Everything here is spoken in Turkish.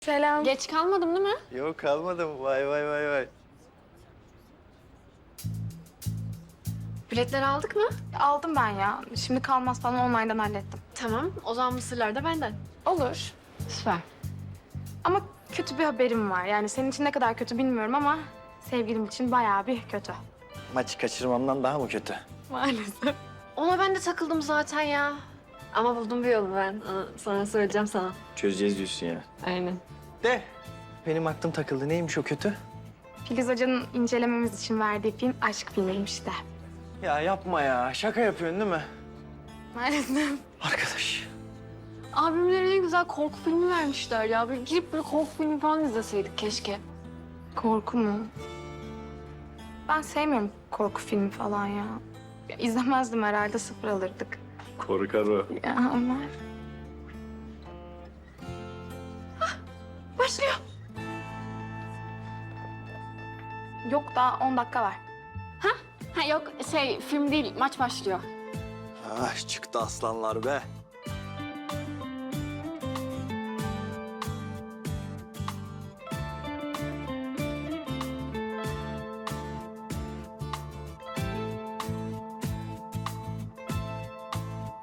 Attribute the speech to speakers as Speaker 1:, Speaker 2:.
Speaker 1: Selam.
Speaker 2: Geç kalmadım değil mi?
Speaker 3: Yok kalmadım. Vay vay vay vay.
Speaker 2: Biletleri aldık mı?
Speaker 1: Aldım ben ya. Şimdi kalmaz falan online'dan hallettim.
Speaker 2: Tamam. O zaman mısırlar da benden.
Speaker 1: Olur.
Speaker 2: Süper.
Speaker 1: Ama kötü bir haberim var. Yani senin için ne kadar kötü bilmiyorum ama sevgilim için bayağı bir kötü.
Speaker 3: Maçı kaçırmamdan daha mı kötü?
Speaker 1: Maalesef.
Speaker 2: Ona ben de takıldım zaten ya. Ama buldum bir yolu ben. Sonra söyleyeceğim sana.
Speaker 3: Çözeceğiz diyorsun ya.
Speaker 2: Aynen.
Speaker 3: De. Benim aklım takıldı. Neymiş o kötü?
Speaker 1: Filiz Hoca'nın incelememiz için verdiği film aşk filmiymiş de.
Speaker 3: Ya yapma ya. Şaka yapıyorsun değil mi?
Speaker 1: Maalesef.
Speaker 3: Arkadaş.
Speaker 2: Abimlere ne güzel korku filmi vermişler ya. Böyle girip böyle korku filmi falan izleseydik keşke.
Speaker 1: Korku mu? Ben sevmiyorum korku filmi falan ya. İzlemezdim herhalde, sıfır alırdık.
Speaker 3: Korkar o.
Speaker 1: Ya ama... Başlıyor. Yok, daha 10 dakika var.
Speaker 2: Ha yok film değil maç başlıyor.
Speaker 3: Ah çıktı aslanlar be.